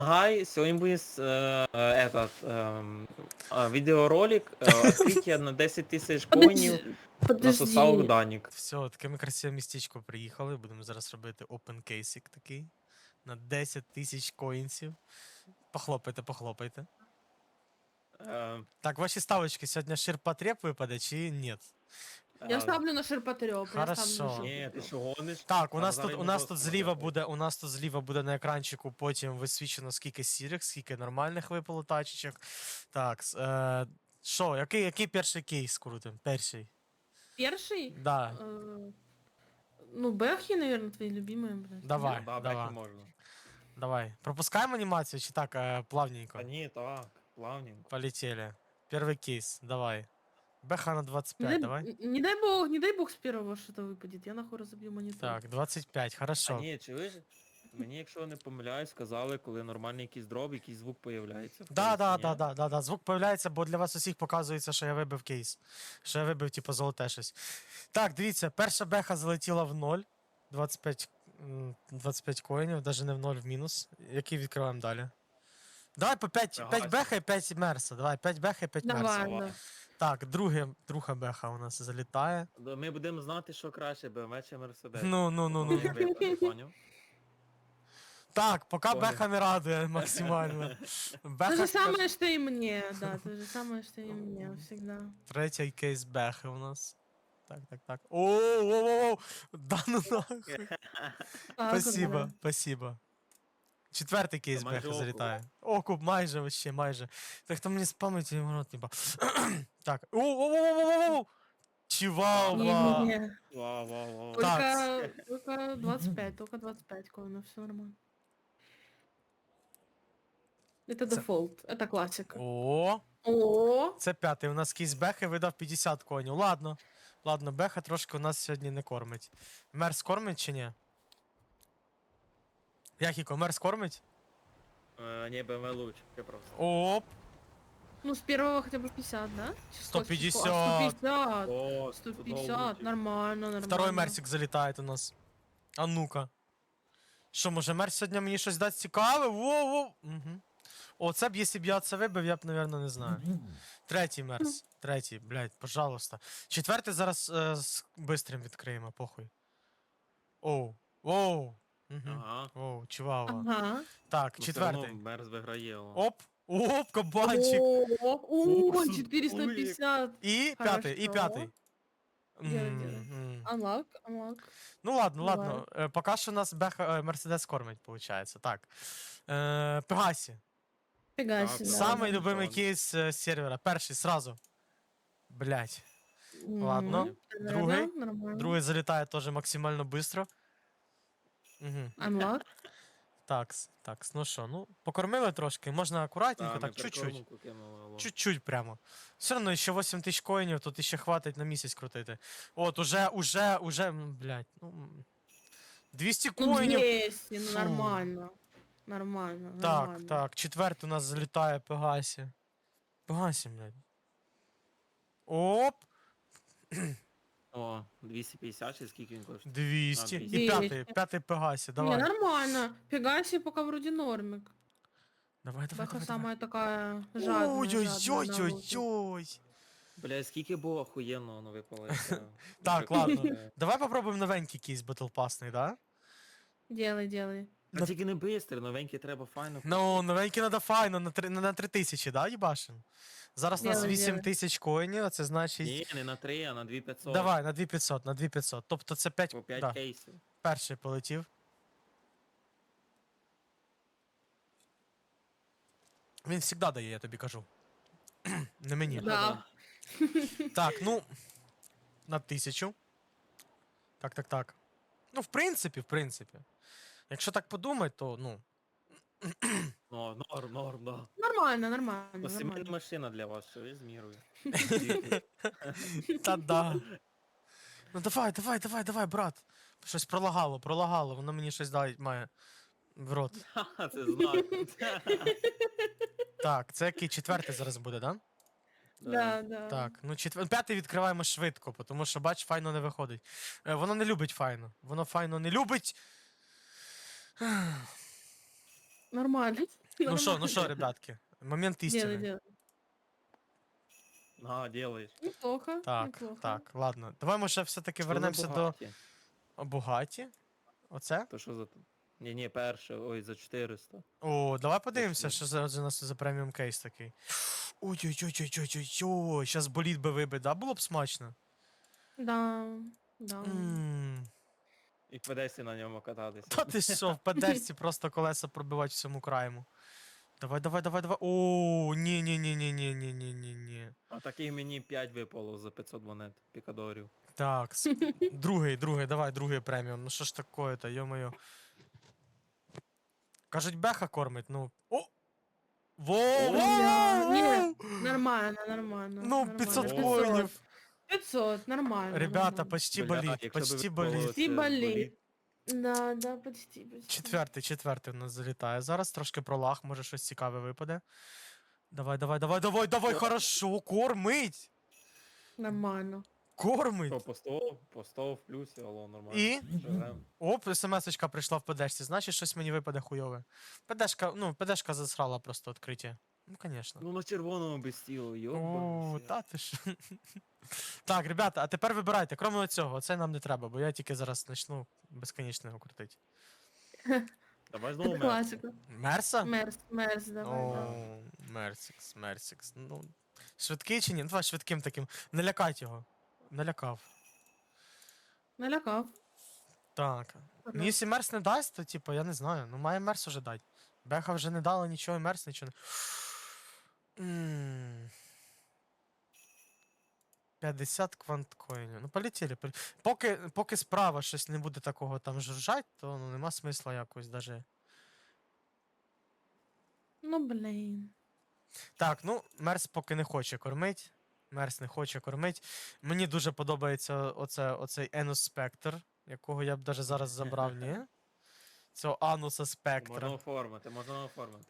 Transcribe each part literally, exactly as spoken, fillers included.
Гай, сегодня будет э, э, этот эм, э, видеоролик э, открытие на десять тисяч коїнів Подожди, насосав подожди. Данік. Все, таке ми красиве містечко приїхали. Будемо зараз робити open кейсик такий. На десять тисяч коїнсів. Похлопайте, похлопайте. Е, Так, ваші ставочки сьогодні ширпотреб випаде чи ні? Я е, ставлю на ширпотреб. Хорошо. Ні, ти що гониш? Так, у Там нас тут, зараз у не нас просто тут зліва буде. буде, у нас тут зліва буде на екранчику потім висвічено скільки сірих, скільки нормальних випало тачечок. Так, с- е, що, який, який перший кейс крутим? Перший. Перший? Да, Э, Ну, Бэхи, наверное, твои любимые, блядь. давай, Да, бляхи давай, можна. давай. Пропускаємо анімацію чи так, е, плавненько? Та ні, так, плавненько. Полетели. Первый кейс, давай. Бэха на двадцать Не пять, дай, давай. н- не дай бог, не дай бог с первого что-то выпадет. Я нахуй разобью монитор. Так, двадцать пять, А хорошо. ні, чуєш? Мені, якщо не помиляюсь, сказали, коли нормальний якийсь дроб, якийсь звук появляється. в Да, кейсі, да, ні? да, да, да, да. Звук появляється, бо для вас усіх показується, що я вибив кейс. Що я вибив, типу, золоте щось. Так, дивіться, перша беха залетіла в ноль. двадцять п'ять, м, двадцять п'ять коїнів, навіть не в ноль, в мінус. Який відкриваємо далі? Давай по п'ять, п'ять Пегасі. беха і п'ять мерса. Давай, п'ять беха і п'ять мерса. Давай, Давай. да. Так, друге, друга беха у нас залітає. Да, Ми будемо знати, що краще, бе ем ве чи Мерседес. Ну, ну, ну, ну. Як випаде, поняв? Так, поки Понял. беха не радує максимально. То Беха же скаж- самое, что и мне, да, то же самое, что и мне, всегда. Третій кейс бехи у нас. Так, так, так. О-о-о-о! Да ну нахуй. Так вот, Спасибо, да. спасибо. Четвертий кейс Це майже бехи окуп. залітає. Окуп, майже вообще, майже. Так хто мені з пам'яті в рот не ба. Так. О-о-о-о-о-о! Чивава! Не-не-не. Вау, вау, вау. Только, только двадцать пять, только двадцать пять коинов, все нормально. Это Ц- дефолт, это классика. О, О, це п'ятий. У нас кейс бехи видав п'ятдесят конів. Ладно. Ладно, беха трошки у нас сьогодні не кормить. Мерс кормить чи ні? Якіко, мерс кормить? Е, Ні, бе ем ве лучше, ти просто. Оп! ну с первого хотя бы пятьдесят, да? сто Число, число. пятьдесят. А, сто пятьдесят. О, сто тут пятьдесят, лучше. нормально, нормально. Второй мерсик залітає у нас. А ну-ка. Що, може мерс сьогодні мені щось дасть цікаве? Воу-воу. Угу. О, це б, якщо б я це вибив, я б, напевно, не знаю. Третій мерс. Третій, блядь, пожалуйста. Четвертий зараз е, з бистрим відкриємо, похуй. Оу. Оу. Угу. Ага. Оу, чувава. Ага. Так, Ну, все одно четвертий. Мерс виграє. о. Оп. Оп, кабанчик. О, Ух, о, тут четыреста пятьдесят. І п'ятий, і Хорошо. п'ятий. Делай, М, делай. м. Unlock, unlock. Ну ладно, Давай. ладно. Е, поки що нас беха е, Мерседес кормить, виходить. Так. Е, Пегасі. Фига Так, себе. да. Самий да. любимий Ладно. кейс е, сервера. Перший сразу. Блять. Мгм. ладно. Да-да-да, Другий. нормально. Другий залітає теж максимально швидко. Угу. Unlock. Такс, такс. Ну що, ну, покормили трошки, можна акуратненько, Та, так, ми чуть-чуть. прикормку кинули, алло. Чуть-чуть прямо. Все одно ще вісім тисяч коїнів, тут ще хватить на місяць крутити. От, уже, уже, уже, м, блядь, ну. м, двісті Ну, коїнів. двести, ну Фу. нормально. Нормально, Так, нормально. так, четвертий у нас залітає Пегасі. Пегасі, блядь. Оп! О, двісті п'ятдесят чи скільки він коштує? двісті. А, І двісті. п'ятий, п'ятий Пегасі, Не, давай. нормально. Пегаси пока вроде нормик. Давай, давай, Бэха давай, давай. самая такая жадная, жадная на лут. Ой-ой-ой-ой-ой. Бля, скільки було охуєнно воно випало. яке- Так, яке ладно. круте. Давай попробуємо новенький кейс батлпасний, да? Делай, делай. А тільки не бистро, новенький треба файно. Ну, новенький надо файно, на три, на три тисячі, да, їбашин? Зараз у нас Делай, вісім делай. тисяч коїнів, а це значить... Ні, не на три, а на дві п'ятсот. Давай, на дві п'ятсот, на дві п'ятсот. Тобто це п'ять... По п'ять Да, кейсів. перший полетів. Він завжди дає, я тобі кажу. Не мені. Да. Так, ну, на тисячу. Так, так, так. Ну, в принципі, в принципі. Якщо так подумати, то, ну, Ну, норм, норм, да. Нормально, нормально, Ну, сімейна нормально. машина для вас, що ви з мірою. та да. Ну давай, давай, давай, давай, брат. Щось пролагало, пролагало, воно мені щось дає має в рот. Ха, це знак. Так, це який четвертий зараз буде, да? Да, да. Так, ну четвер... п'ятий відкриваємо швидко, тому що, бач, файно не виходить. Е, воно не любить файно. Воно файно не любить. Нормально. Ну що, ну що, Нормально. ребятки, момент Делай, істини. делай. А, делаєш. Неплохо, Так, неплохо. так, ладно. Давай ми ще все-таки Що за вернемося до Бугаті? Бугаті. Оце? То що за... Ні, ні, перше, ой, за чотириста. О, давай подивимося, Точно. що за, за нас за преміум кейс такий. Ой-ой-ой-ой-ой-ой, щас боліт би вибить, да? Було б смачно. Да, да. Ммм. І в Одесі на ньому кататися. Та ти що, в педерці просто колеса пробивати всьому краєму. Давай, давай, давай, давай. О, ні, ні, ні, ні, ні, ні, ні, ні, ні. А таких мені п'ять випало за п'ятсот монет пікадорів. Так, с- другий, другий, давай, другий преміум. Ну що ж такое-то, йо-моє. Кажуть, беха кормить, ну. О! Во! Бля, во! ні, Нормально, нормально. Ну, нормально. пятьсот О. коїнів. пятьсот, нормально. Ребята, нормально. почти Бля, боліт, якщо б почти випало боліт. Почти це боліт. Да, да, почти, почти. Четвертий, четвертий у нас залітає. Зараз трошки пролаг, може щось цікаве випаде. Давай, давай, давай, давай, давай, О. хорошо, кормить! Нормально. Кормить! Що, по сто, по сто в плюсі, алло, нормально. І? Живем. Оп, смс-очка прийшла в ПДшці, значить щось мені випаде хуйове. ПДшка, ну, ПДшка засрала просто відкриття. Ну, конечно. Ну на червоному без тілу, О, йоба. та ти ж. Так, ребята, а тепер вибирайте, крім цього, це нам не треба, бо я тільки зараз почну безконечно його крутити. Давай знову Це мерсу. класика. Мерса? Мерс, мерс, давай, да. О, Мерсікс, Мерсікс. Ну, швидкий чи ні? Ну, давай швидким таким. Не лякать його. Налякав. Налякав. Так. Ну, Ага. якщо Мерс не дасть, то типу, я не знаю. Ну, має Мерс уже дати. Беха вже не дала нічого, і Мерс нічого не. М. п'ятдесят кванткоїнів. Ну, полетіли. полі- Поки, поки справа щось не буде такого там жужжать, то ну, нема смисла якось даже. Ну, блін. Так, ну, Мерс поки не хоче кормить. Мерс не хоче кормить. Мені дуже подобається оце, оцей Енус Спектр, якого я б даже зараз забрав, ні? Цього Ануса Можна Спектра. оформити, можна оформити.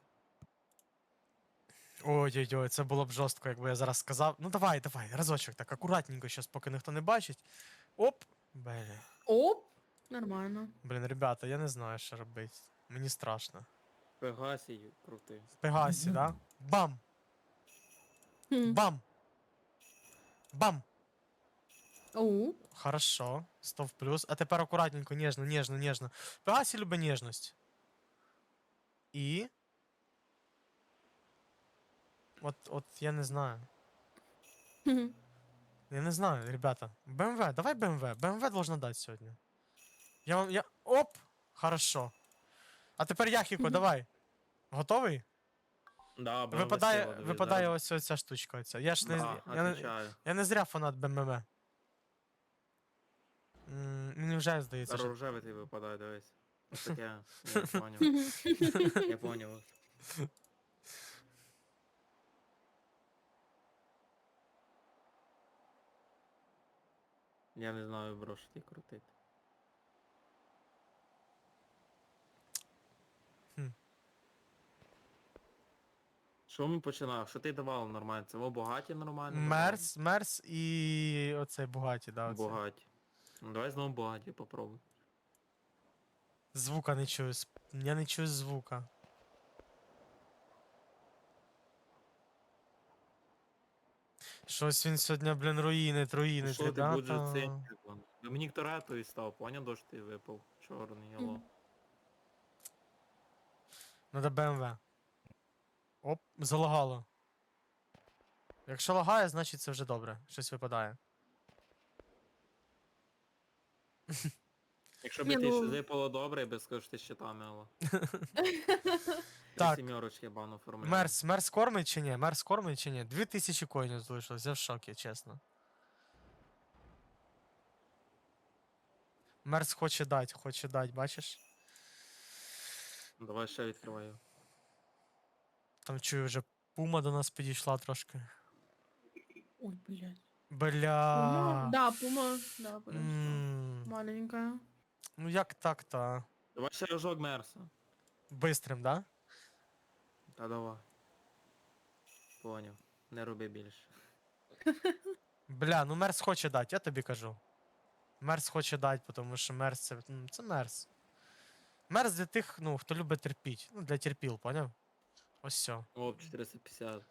Ой-ой-ой, це було б жорстко, якби я зараз сказав. Ну давай, давай, разочок, так акуратненько, щас, поки ніхто не бачить. Оп! Блін. Оп. Нормально. Блін, ребята, я не знаю, що робити. Мені страшно. Пегасій крутий. В Пегасі, да? Бам! Хм. Бам! Бам! Оу. Хорошо, сто в плюс. А тепер акуратненько, ніжно, ніжно, ніжно. Пегасі любить ніжність. І. От, от я не знаю. Хм. Я не знаю, ребята. БМВ, давай БМВ. БМВ должна дати сьогодні. Я вам. Я. Оп! Хорошо. А тепер Яхіко, Мгм. давай. Готовий? Да, б ем ве Випадає, сила, дивись, випадає зараз. ось оця штучка. Оця. Я ж не, Да, я, не, отвечаю. я не зря фанат БМВ. М, Мені вже здається, Зараз що. рожевий ти випадає, дивись. Ось таке. Я поняв. Я поняв. Я не знаю, бро, що ти крутити. Хм. Що ми починали? Що ти давав нормально? Це во Бугаті нормально? давав? Мерс, Мерс і оцей Бугаті, да. Оцей. Бугаті. Ну давай знову Бугаті попробуй. Звука не чую. сп- Я не чую звука. Щось він сьогодні, блін, руїнить, руїнить, Що ти будеш ребята. цей? Домінік Торетто і став, поняв, дощ ти випав. Чорний, алло. Мгм. Надо БМВ. Оп, залагало. Якщо лагає, значить це вже добре. Щось випадає. Якщо б Ні, ти ну- ще випало добре, я би сказав, що ти з щитами, алло. Так. Сімерочки бану оформляю. Мерс, Мерс кормить чи ні? Мерс кормить чи ні? Дві тисячі коїнів залишилось, я в шокі, чесно. Мерс хоче дать, хоче дать, бачиш? Ну, давай ще відкриваю. Там чую, вже пума до нас підійшла трошки. Ой, блядь. Бля. Пума? Да, пума. Да, подожди. М, Маленькая. Ну як так-то? а? Давай ще рожок Мерса. Бистрим, да? Та давай. Поняв. Не роби більше. Бля, ну Мерс хоче дати, я тобі кажу. Мерс хоче дати, тому що Мерс це. м, Це Мерс. Мерс для тих, ну, хто любить терпіть. Ну, для терпіл, поняв? Ось все. О, чотириста п'ятдесят.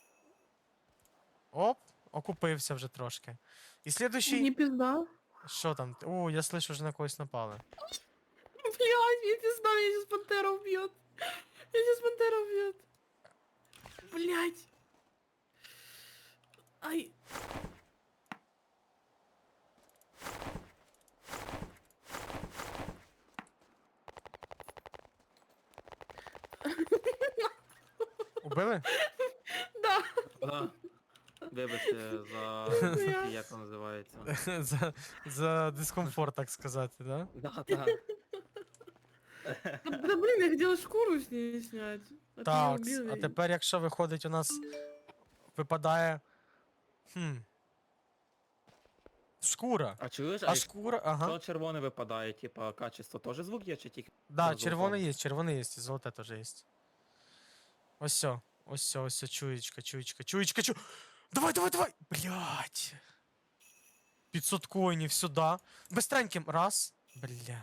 Оп, окупився вже трошки. І слідуючий. Не пизда. Що там? О, я слышу, вже на когось напали. Блядь, мне пизда, меня сейчас пантера убьет. Меня сейчас пантера убьет. Блядь. Ай. Убили? Да. Да. Вибачте за Я- як це називається. за, за дискомфорт, так сказати, да? Да, да. Да, да блин, я хотела шкуру с ней снять. А ты Так, её убил, а и- тепер, якщо виходить, у нас випадає. Хм. Шкура. А чуєш, А а шкура, ага. якщо червоне випадає, типа, качество теж звук є, чи тільки Да, золото? червоний є, червоний є, і золоте теж є. Ось все. Ось все, ось все, чуєчка, чуєчка, чуєчка, чу. Давай, давай, давай! Блять. пятьсот коїнів сюди. Быстреньким. Раз. Бля.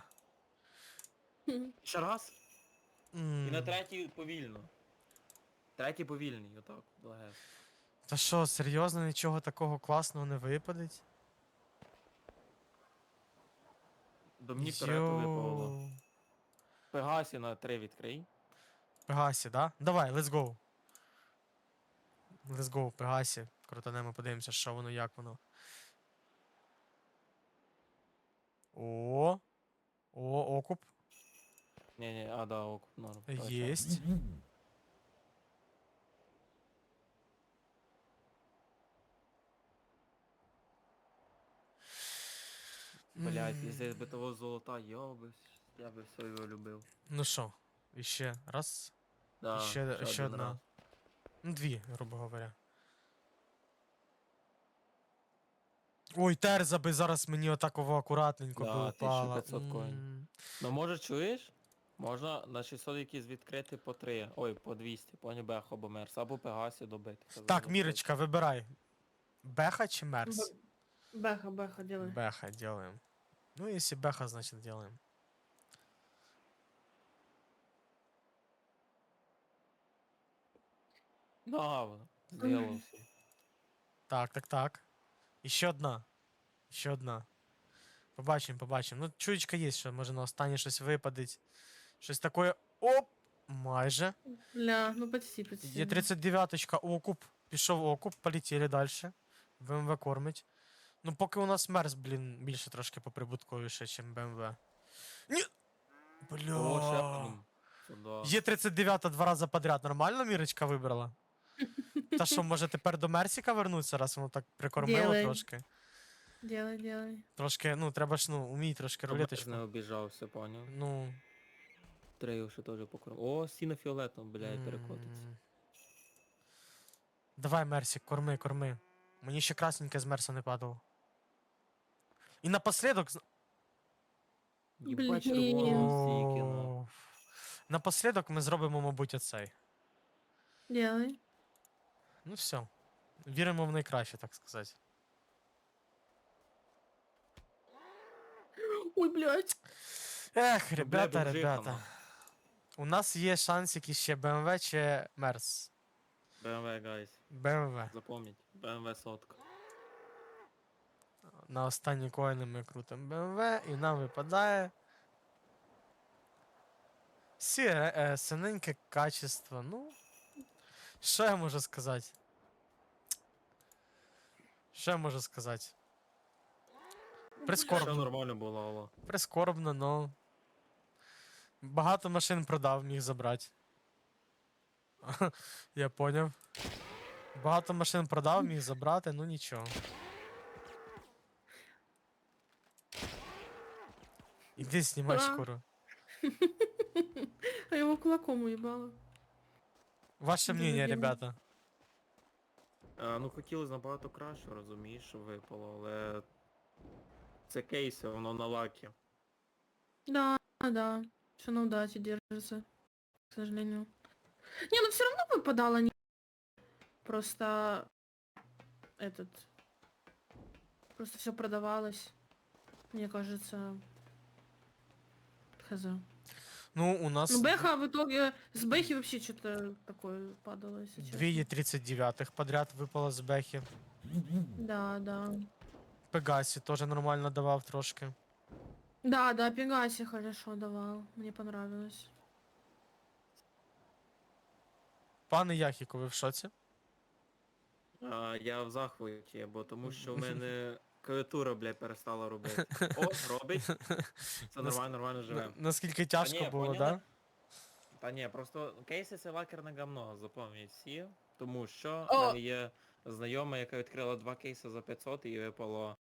Ще раз? І на М. третій повільно. Третій повільний, отак, благе. Та що, серйозно, нічого такого класного не випадить? До мені вперед випало. Йоу. Пегасі на три відкрий. Пегасі, да? Давай, let's go. Let's go, Пегасі. Крутанемо, подивимося, що воно, як воно. О. О, окуп. Ні-ні, а, да, ок, норм. точно. Єсть. Блять, М. якщо би того золота, я би, я би все його любив. Ну що, іще раз. Да, ще, ще один одна. раз. Ну, дві, грубо говоря. Ой, терза би зараз мені отаково акуратненько Да, би упала. тисяча п'ятсот коїн. М. Ну може чуєш? Можна на шістсот якісь відкрити по три. Ой, по двісті, поні Бехо або Мерс, або Пегасі добити. Це Так, за- Мірочка, вибирай. Беха чи Мерс? Б- Бэха, бэха, делай. Беха делаем. Ну, если Беха, значит делаем. Да, воно, зробився. Так, так, так. Еще одна. Ще одна. Побачимо, побачимо. Ну, чуєчка є, що може на останнє щось випадить. Щось таке. Оп! Майже. Бля, ну почти, почти. Є тридцять дев'яточка, окуп. Пішов окуп, полетіли далі. БМВ кормить. Ну, поки у нас Мерс, блін, більше трошки поприбутковіше, ніж БМВ. Ні! О, ще Бля. один. Сюда. Є тридцять дев'ята два рази подряд. Нормально Мірочка вибрала? Та що, може тепер до Мерсіка вернуться, раз воно так прикормило Делай. трошки. Делай, делай. Трошки, ну, треба ж, ну, умій трошки Щоб рулеточку. не обіжався, поняв. Ну. Трейл ще теж покрив. О, сіно фіолетом, блядь, перекотиться. м. Давай, Мерсік, корми, корми. Мені ще красненьке з Мерса не падало. І напослідок. зна- Єбать Блін. червоного стільки, ну. О, Напослідок ми зробимо, мабуть, оцей. Делай. Ну все. Віримо в найкраще, так сказати. Ой, блядь. Ех, Ну, ребята, бля, бомжиха, ребята. ну. У нас є шансики ще БМВ чи Мерс. Б М В, гайс. БМВ. Запомніть. Б М В сотка. На останні коїни ми крутимо БМВ і нам випадає. Сіре, е, синеньке качество. Ну. Що я можу сказати? Що я можу сказати? Все Прискорбно. нормально було, алло. Прискорбно, но. Багато машин продав, міг забрати. Я поняв. Багато машин продав, міг забрати, ну нічого. Іди знімай А. шкуру. А его кулаком уебало. Ваше Дуже мнение, дивно. ребята. А, ну хотілося набагато краще, розумієш, що випало, але це кейси, воно на лакі. Да, да. Все на удаче держится, к сожалению. Не, ну все равно выпадало не... Просто... Этот... Просто все продавалось. Мне кажется... Хз. Ну, у нас Ну, Бэха в итоге... С Бэхи вообще что-то такое падало, если честно. дві тридцять дев'ятих подряд випало з Бехи. Да, да. Пегасі теж нормально давав трошки. Да, да, Пегаси хорошо давал. Мне понравилось. Пане Яхіко, ви в шоці? А, я в захваті, бо тому що в мене клавіатура, блядь, перестала робити. О, робить. Це нормально, нормально живе. На- Наскільки тяжко ні, було, поняли? да? Та ні, просто кейси це лакерне гамно, запам'ятають всі. Тому що О! в мене є знайома, яка відкрила два кейси за п'ятсот і їй випало